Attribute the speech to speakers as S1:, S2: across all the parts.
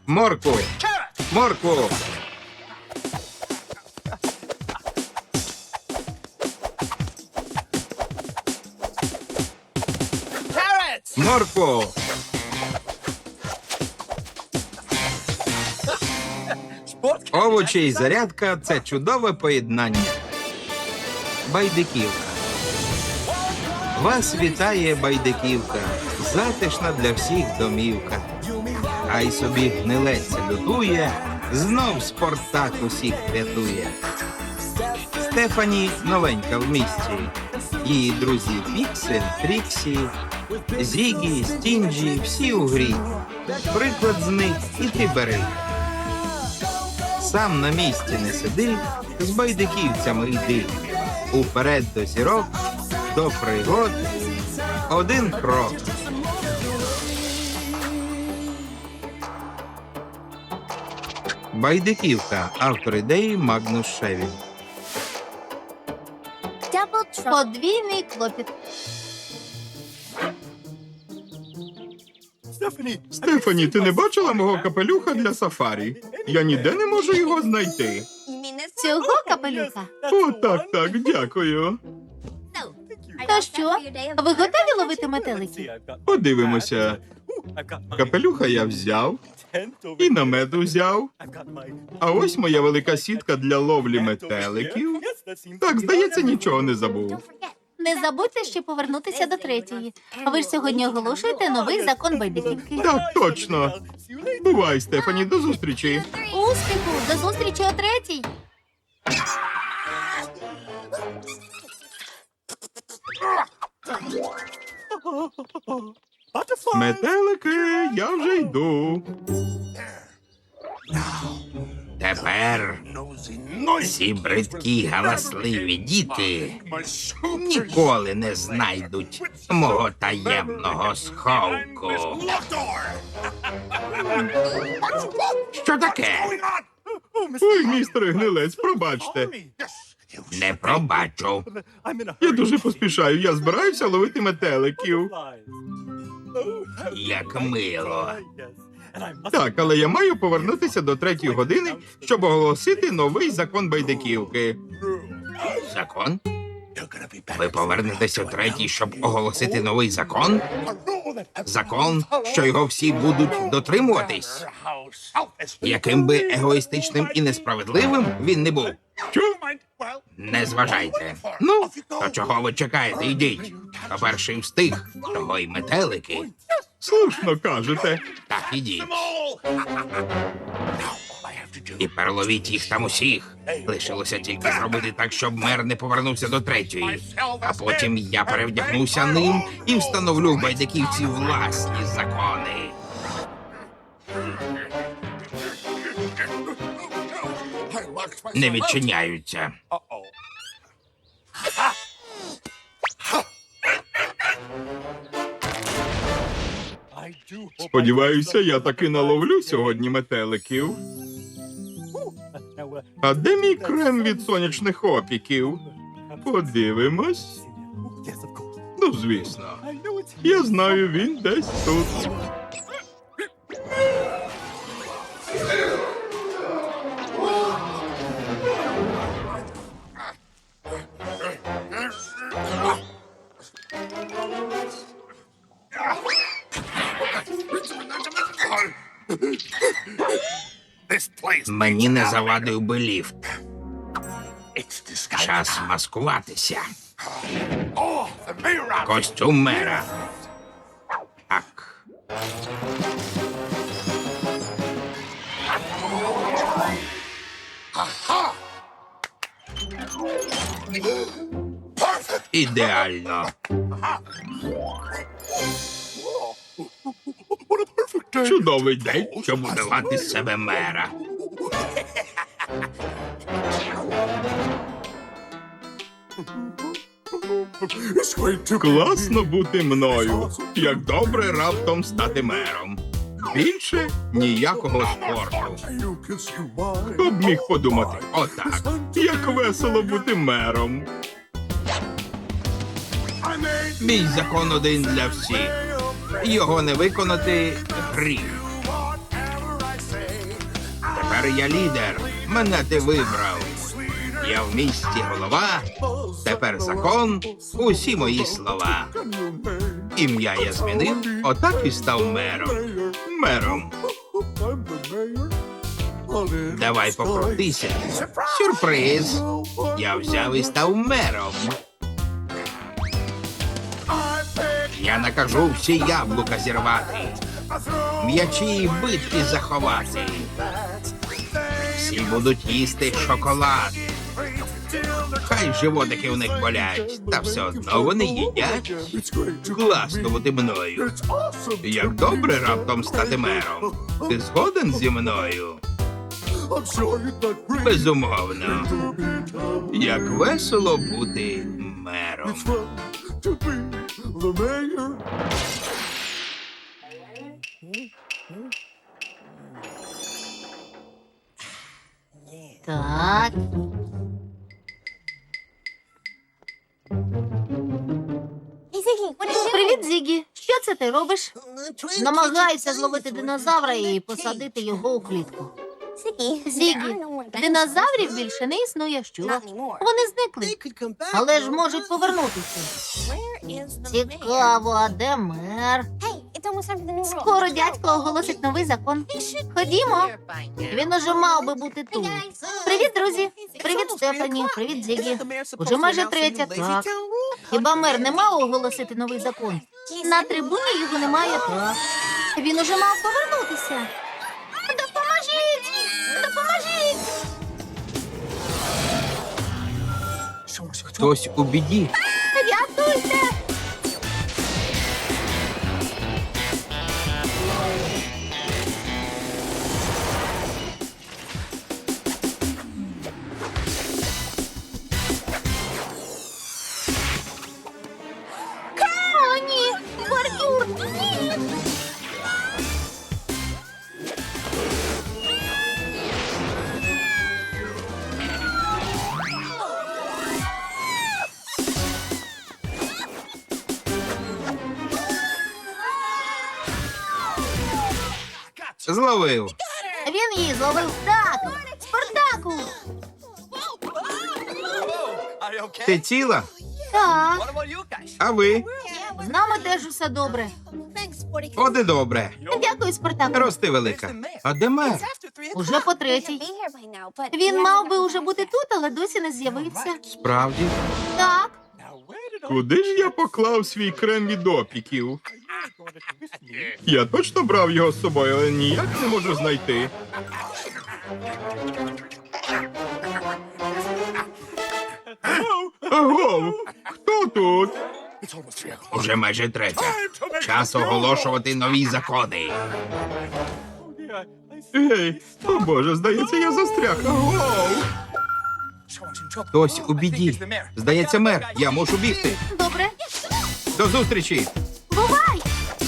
S1: Моркву! Моркву! Моркву! Овочі і зарядка – це чудове поєднання. Байдиківка. Вас вітає Байдиківка. Затишна для всіх домівка. Хай собі гнилець лютує, знов Спартак усіх рятує. Стефані новенька в місті. Її друзі Піксель, Тріксі, Зігі, Стінджі – всі у грі. Приклад з них і ти бери. Сам на місці не сиди, з байдиківцями йди. Уперед до зірок, до пригод, один крок. Байдиківка. Автор ідеї Магнус Шевін.
S2: Подвійний клопіт.
S1: Стефані, ти не бачила мого капелюха для сафарі? Я ніде не можу його знайти.
S2: Цього капелюха?
S1: О, так, дякую.
S2: То що? Ви готові ловити метеликів?
S1: Подивимося. Капелюха я взяв, і намет взяв. А ось моя велика сітка для ловлі метеликів. Так, здається, нічого не забув.
S2: Не забудьте ще повернутися до третьої. Ви ж сьогодні оголошуєте новий закон байдиківки.
S1: Так, точно. Бувай, Стефані, до зустрічі.
S2: Успіху! До зустрічі о третій!
S1: Метелики, я вже йду. Тепер ці бридкі галасливі діти ніколи не знайдуть мого таємного сховку. Що таке? Ой, містер Гнилець, пробачте. Не пробачу. Я дуже поспішаю, я збираюся ловити метеликів. Як мило. Так, але я маю повернутися до 3-ї години, щоб оголосити новий закон байдиківки. Закон? Ви повернетеся о 3-й, щоб оголосити новий закон? Закон, що його всі будуть дотримуватись? Яким би егоїстичним і несправедливим він не був? Що? Не зважайте. Ну, то чого ви чекаєте? Йдіть. Хто перший встиг, того й метелики. Слушно кажете. Так, ідіть. І переловіть їх там усіх. Лишилося тільки зробити так, щоб мер не повернувся до 3-ї. А потім я перевдягнуся ним і встановлю в байдиківці власні закони. Не відчиняються. Сподіваюся, я таки наловлю сьогодні метеликів. А де мій крем від сонячних опіків? Подивимось. Ну, звісно. Я знаю, він десь тут. Мені не завадив би ліфт. Час маскуватися. Костюм мера. Так. Ідеально. Чудовий день, щоб вдавати з себе мера. Класно бути мною. Як добре раптом стати мером. Більше ніякого спорту. Хто б міг подумати? Отак. Як весело бути мером. Мій закон один для всіх. Його не виконати – гріх. Тепер я лідер. Мене ти вибрав. Я в місті голова. Тепер закон. Усі мої слова. Ім'я я змінив, отак і став мером. Мером. Давай покрутися. Сюрприз. Я взяв і став мером. Я накажу всі яблука зірвати, м'ячі і битки заховати. Всі будуть їсти шоколад. Хай животики у них болять, та все одно вони їдять. Класно бути мною. Як добре раптом стати мером. Ти згоден зі мною? Безумовно. Як весело бути мером.
S2: Так. Привіт, Зігі. Що це ти робиш? Намагаюся зловити динозавра і посадити його у клітку. Зігі, динозаврів більше не існує, що? Вони зникли, але ж можуть повернутися. Цікаво, а де мер? Скоро дядько оголосить новий закон. Ходімо. Він уже мав би бути тут. Привіт, друзі. Привіт, Стефані. Привіт, Зігі. Уже майже третя, так. Хіба мер не мав оголосити новий закон? На трибуні його немає, так. Він уже мав повернутися. Допоможіть! Допоможіть!
S1: Хтось у біді.
S2: Рятуйте! О, ні! Бордюр! Ні!
S1: Зловив.
S2: Він її зловив. Так! Спартаку!
S1: Ти ціла?
S2: Так,
S1: А ви?
S2: з нами теж усе добре.
S1: От і добре.
S2: Дякую, Спартаку.
S1: Рости велика. А де мер?
S2: Уже по третій. Він мав би уже бути тут, але досі не з'явився.
S1: Справді?
S2: Так,
S1: Куди ж я поклав свій крем від опіків? Я точно брав його з собою, але ніяк не можу знайти. Агов! Хто тут? Уже майже третя. Час оголошувати нові закони. Ей, о боже, здається, я застряг. Агов! Хтось у біді. Здається, мер. Я мушу бігти.
S2: добре.
S1: До зустрічі.
S2: Бувай!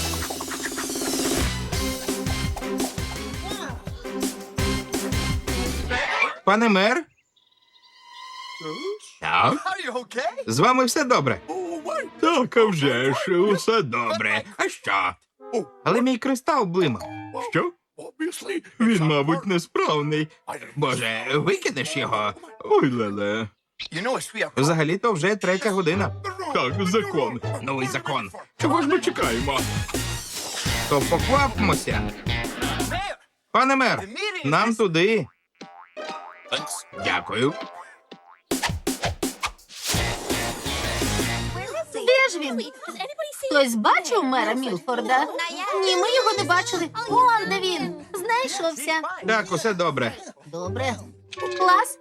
S1: Пане мер? Так. З вами все добре? Так, а вже ж, усе добре. А що? Але мій кристал блимав. Що? Він, мабуть, несправний. Боже, викинеш його? Ой, леле. Взагалі-то вже 3 година. Так, закон. Новий закон. Чого ж ми чекаємо? То поквапмося. Пане мер, нам туди. Дякую.
S2: Де ж він? Хтось бачив мера Мілфорда? Ні, ми його не бачили. Вон де він. Знайшовся.
S1: Так, усе добре.
S2: Добре. Клас.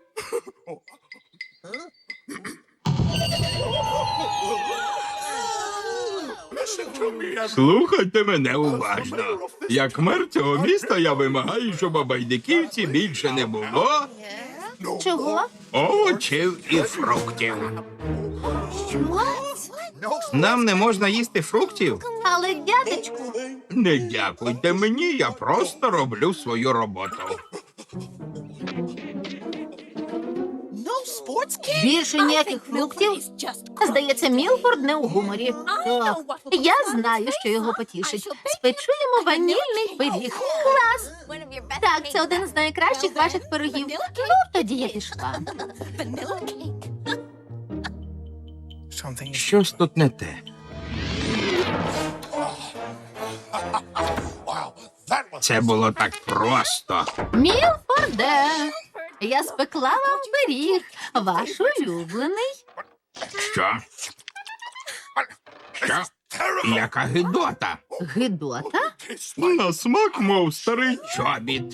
S1: Слухайте мене уважно. Як мер цього міста, я вимагаю, щоб у байдиківці більше не було
S2: Чого?
S1: овочів і фруктів.
S2: Що?
S1: Нам не можна їсти фруктів?
S2: Але, дядечку,
S1: Не дякуйте мені, я просто роблю свою роботу.
S2: Більше ніяких фруктів? Здається, Мілфорд не у гуморі. Так, я знаю, що його потішить. Спечу йому ванільний пиріг. Клас! Так, це один з найкращих ваших пирогів. Ну, тоді я пішла.
S1: Щось тут не те. Це було так просто.
S2: Мілфорде, я спекла вам пиріг, ваш улюблений.
S1: Що? Що? Яка гидота?
S2: Гидота?
S1: На смак, мов старий чобіт.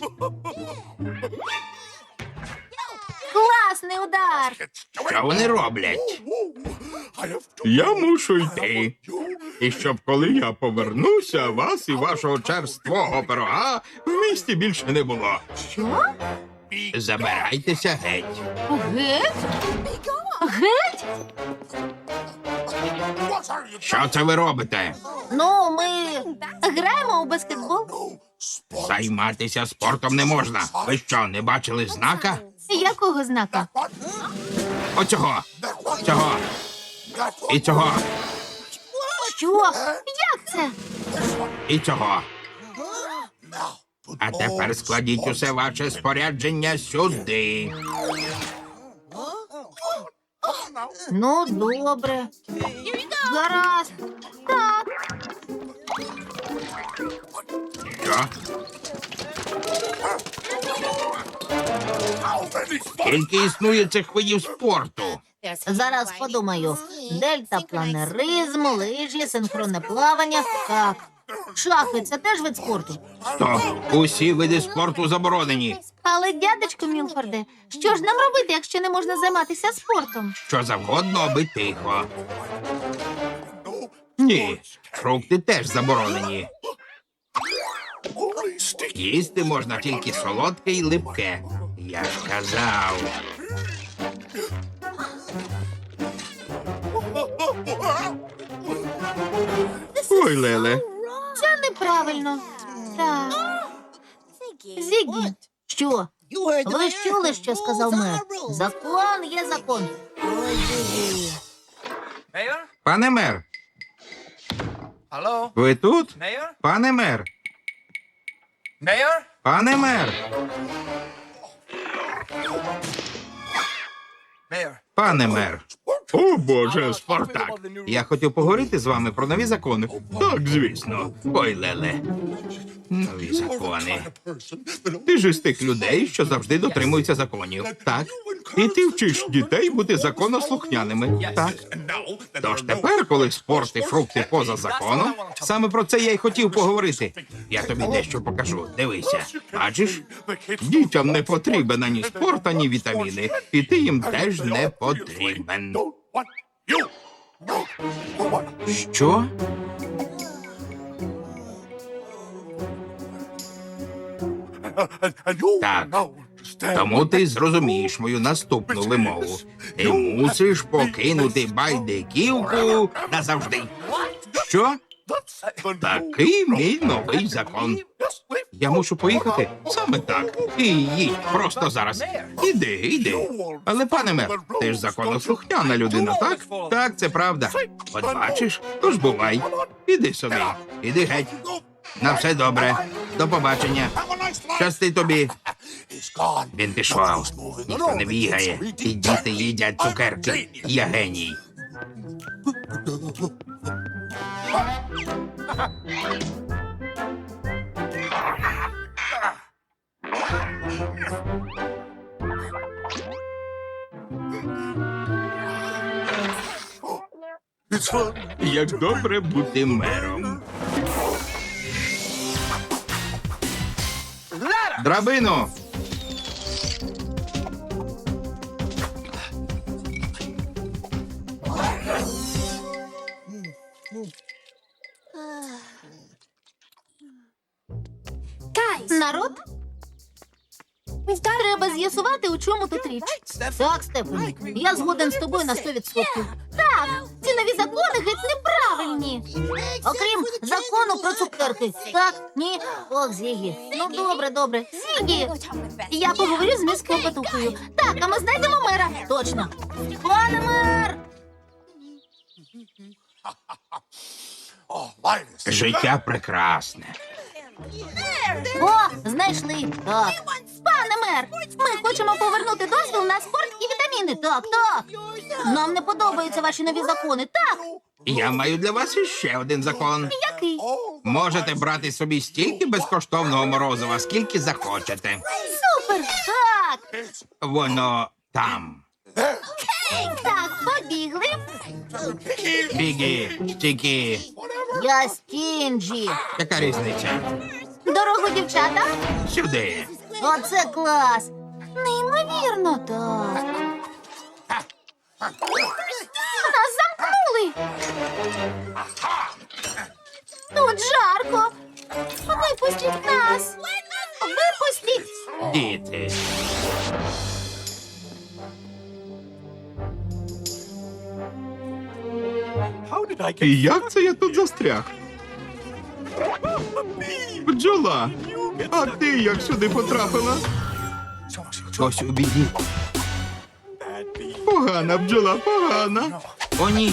S2: Класний удар!
S1: Що вони роблять? Я мушу йти. І щоб коли я повернуся, вас і вашого черствого пирога в місті більше не було.
S2: Що?
S1: Забирайтеся геть.
S2: Геть? Геть?
S1: Що це ви робите?
S2: Ну, ми граємо у баскетбол.
S1: Займатися спортом не можна. Ви що, не бачили знака?
S2: Якого знака?
S1: Оцього. Цього. І цього.
S2: Що? Як це?
S1: І цього. А тепер складіть усе ваше спорядження сюди.
S2: Ну, добре. Гаразд. Так.
S1: Що? Скільки існує цих видів спорту?
S2: Зараз подумаю. Дельтапланеризм, лижі, синхронне плавання. Так. Шахи – це теж вид спорту.
S1: Стоп! Усі види спорту заборонені.
S2: Але, дядечко Мілфорде, що ж нам робити, якщо не можна займатися спортом?
S1: Що завгодно, аби тихо. Ні, фрукти теж заборонені. Їсти можна тільки солодке і липке. Я ж казав. Ой, Леле.
S2: Це неправильно. Так. Зігі. Що? Ви ж чули, що сказав мер? Закон є закон. Ой, Зігі.
S1: Пане мер,
S3: Hallo,
S1: ви тут?
S3: Mayor?
S1: Пане мер,
S3: Mayor?
S1: пане мер,
S3: Mayor.
S1: пане мер. О, Боже, Спартак. Я хотів поговорити з вами про нові закони. Так, звісно. Ой, Леле. Нові закони. Ти ж із тих людей, що завжди дотримуються законів. Так. І ти вчиш дітей бути законослухняними. Так. Тож тепер, коли спорт і фрукти поза законом, саме про це я й хотів поговорити. Я тобі дещо покажу. Дивися. Бачиш? Дітям не потрібен ані спорт, ані вітаміни. І ти їм теж не потрібен. Що? Так. Тому ти зрозумієш мою наступну вимогу. Ти мусиш покинути байдиківку назавжди. Що? Такий мій новий закон. Я мушу поїхати саме так. І їдь просто зараз. Іди. Але, пане мер, ти ж законослухняна людина, так? Так, це правда. От бачиш, тож бувай. Іди собі. Іди геть. На все добре. До побачення. Щасти тобі. Він пішов. Ніхто не бігає. І діти їдять цукерки. Я геній. Як добре бути мером. Драбину!
S2: Народ? Треба з'ясувати, у чому тут річ. Так, Стефані, я згоден з тобою на 100%. Так, ці нові закони геть неправильні. правильні. Окрім закону про цукерки. Так? Ні? Ох, Зігі. Ну, добре, добре. Зігі! Я поговорю з міс Клопотухою. Так, а ми знайдемо мера. Точно. Пане мер!
S1: Життя прекрасне.
S2: О, знайшли. Так. Пане мер, ми хочемо повернути дозвіл на спорт і вітаміни. Так, так. Нам не подобаються ваші нові закони. Так.
S1: Я маю для вас іще один закон.
S2: Який?
S1: Можете брати собі стільки безкоштовного морозива, скільки захочете.
S2: Супер. Так.
S1: Воно там.
S2: Так, побігли.
S1: Бігі, стікі.
S2: Я Стінджі.
S1: Яка різниця?
S2: Дорогу, дівчата.
S1: Сюди.
S2: Оце клас. Неймовірно, так. Нас замкнули. Тут жарко. Випустіть нас. Випустіть.
S1: Діти. І як це я тут застряг? Бджола, а ти як сюди потрапила? Ось у біді. Погана бджола, погана. О, ні.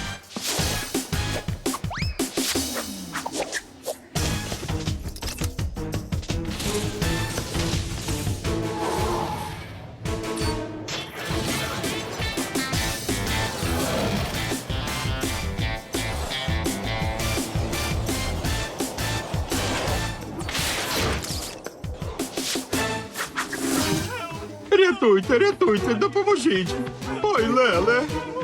S1: Рятуйте, рятуйте, допоможіть. Ой, Леле.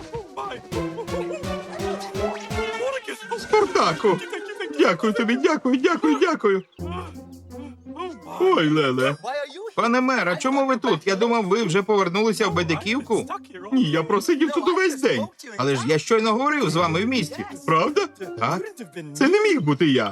S1: Спартаку. Дякую тобі, дякую. Ой, Леле. Пане мер, а чому ви тут? Я думав, ви вже повернулися в Байдиківку. Ні, я просидів тут увесь день. Але ж я щойно говорив з вами в місті. Правда? Так. Це не міг бути я.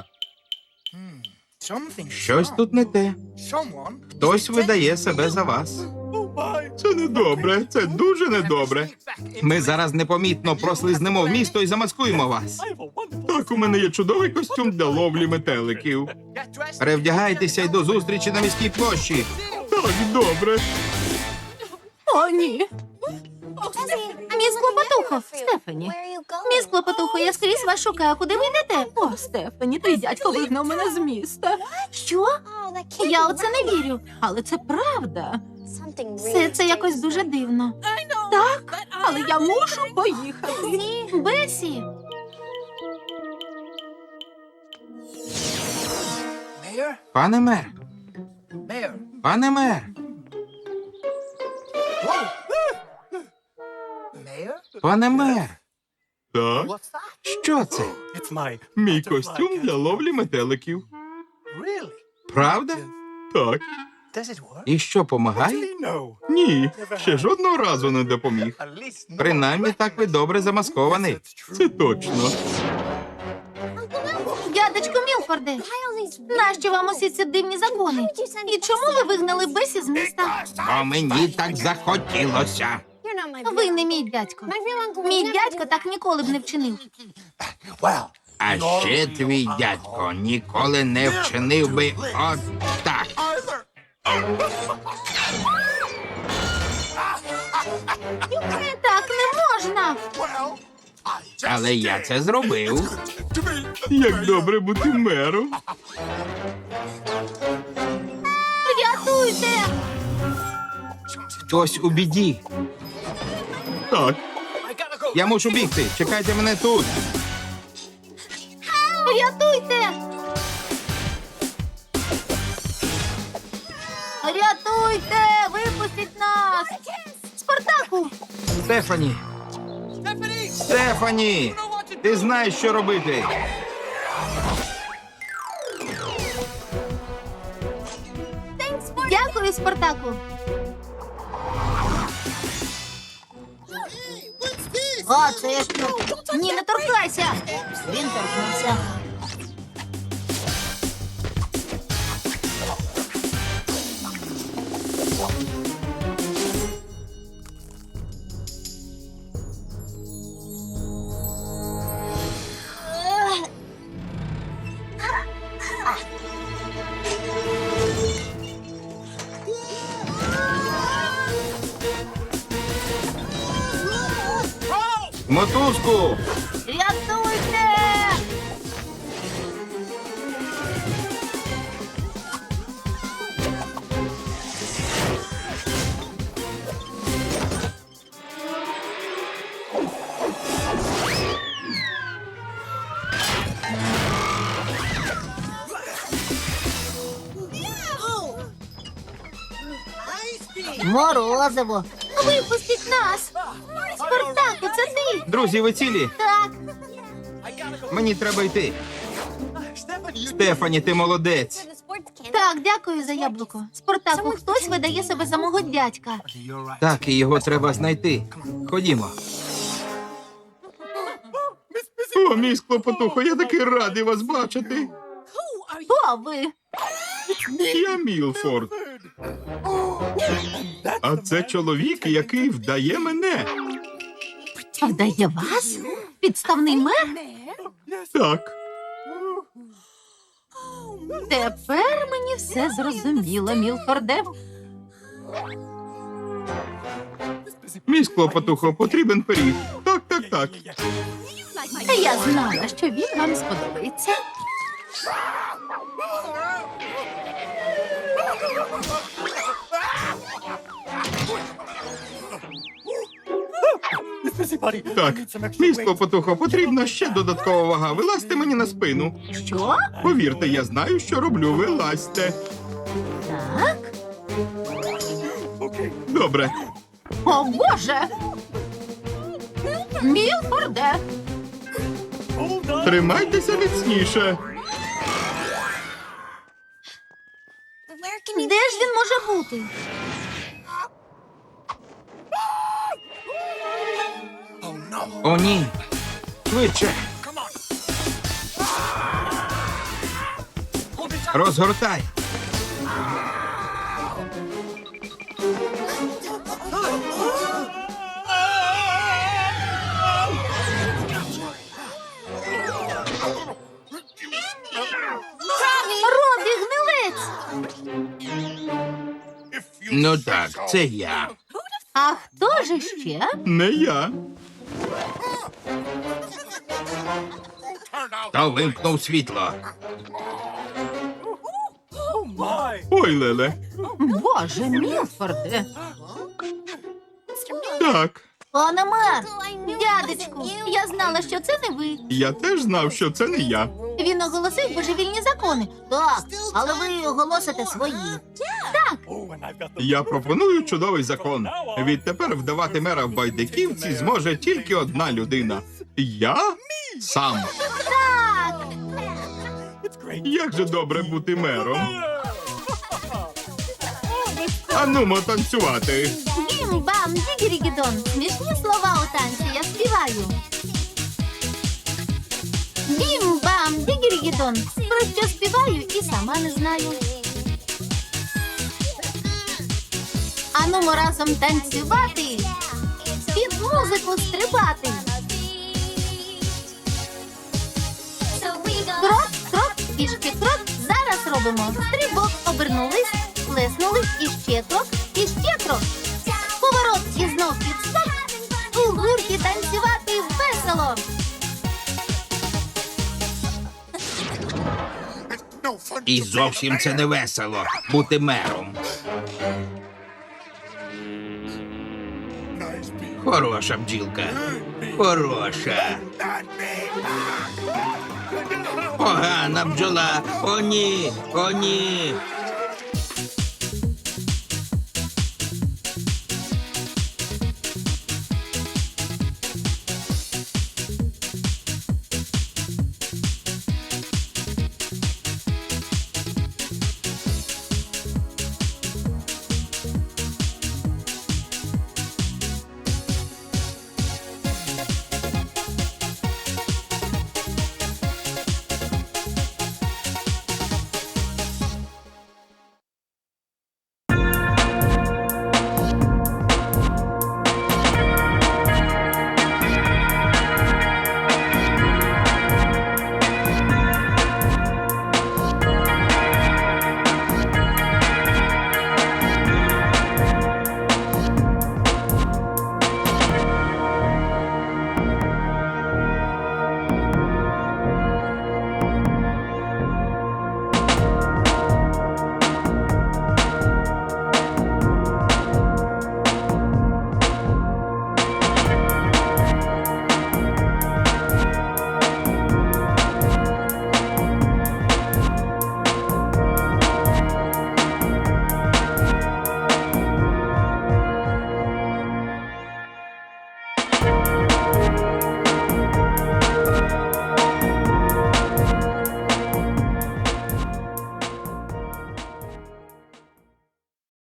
S1: Щось тут не те. Хтось видає себе за вас. Це недобре, це дуже недобре. Ми зараз непомітно прослизнемо в місто і замаскуємо вас. Так, у мене є чудовий костюм для ловлі метеликів. Перевдягайтеся й до зустрічі на міській площі. Так, добре.
S2: О, ні. Міс Клопотухо, Стефані. Міс Клопотухо, я скрізь вас шукаю. Куди ви йдете? О, Стефані, твій дядько вигнав мене з міста. Що? Я у це не вірю. Але це правда. Все це якось дуже дивно. Так, але я мушу поїхати. Бесі.
S1: Пане мер, пане мер. Пане мер. Так? Що це? Мій костюм для ловлі метеликів. Правда? Так. І що, помагає? Ні, ще жодного разу не допоміг. Принаймні так ви добре замаскований. Це точно.
S2: Дядечко Мілфорде, нащо вам усі ці дивні закони? І чому ви вигнали Бесі з міста?
S1: Бо мені так захотілося.
S2: Ви не мій дядько. Мій дядько так ніколи б не вчинив.
S1: А ще твій дядько ніколи не вчинив би от так.
S2: Так не можна.
S1: Але я це зробив. Як добре бути мером.
S2: Рятуйте!
S1: Хтось у біді. Так. Я мушу бігти. Чекайте мене тут.
S2: Рятуйте! Рятуйте! Випустіть нас! Спартаку!
S1: Стефані. Стефані! Ти знаєш, що робити.
S2: Дякую, Спартаку! А, це що? Ні, не торкайся! Він торкнувся.
S1: Мотузку!
S2: Рятуйте! Морозиво. Випустіть нас! Спартаку, це ти?
S1: Друзі, ви цілі?
S2: Так.
S1: Мені треба йти. Стефані, ти молодець.
S2: Так, дякую за яблуко. Спартаку, хтось видає себе за мого дядька.
S1: Так, і його треба знайти. Ходімо. О, мій склопотухо, я такий радий вас бачити.
S2: Хто ви?
S1: Я Мілфорд. А це чоловік, який вдає мене.
S2: Вдає вас? Підставний мер?
S1: Так.
S2: Тепер мені все зрозуміло, Мілфорде.
S1: Мій склопотухо, потрібен пиріг. Так, так, так.
S2: Я знала, що він вам сподобається.
S1: Так, мій склопотухо, потрібна ще додаткова вага. Вилазьте мені на спину.
S2: Що?
S1: Повірте, я знаю, що роблю. Вилазьте.
S2: Так?
S1: Добре.
S2: О, Боже! Мілфорде!
S1: Тримайтеся міцніше.
S2: Де ж він може бути?
S1: О, ні. Швидше. Розгортай.
S2: Робі, гнилець!
S1: Ну так, це я.
S2: А хто ж іще?
S1: Не я. Та вимкнув світло. Ой, Леле.
S2: Боже, Мілфорде!
S1: Так,
S2: Пане мер! Дядечку, я знала, що це не ви.
S1: я теж знав, що це не я.
S2: Він оголосив божевільні закони. Так, але ви оголосите свої. Так,
S1: Я пропоную чудовий закон. Відтепер вдавати мера в Байдиківці зможе тільки одна людина. Я сам.
S2: так.
S1: Як же добре бути мером. Анумо танцювати.
S2: Бім-бам, дігірігідон. Смішні слова у танці, я співаю. Бім-бам, дігірігідон. Про що співаю і сама не знаю. Анумо разом танцювати, під музику стрибати. Крок, крок, пішки крок. Зараз робимо стрибок, обернулись, плеснули, і ще крок, і ще крок. Поворот і знов підскок. У гурті танцювати весело.
S1: І зовсім це не весело бути мером. Хороша бджілка. Хороша. Погана бджола. О, ні. О, ні.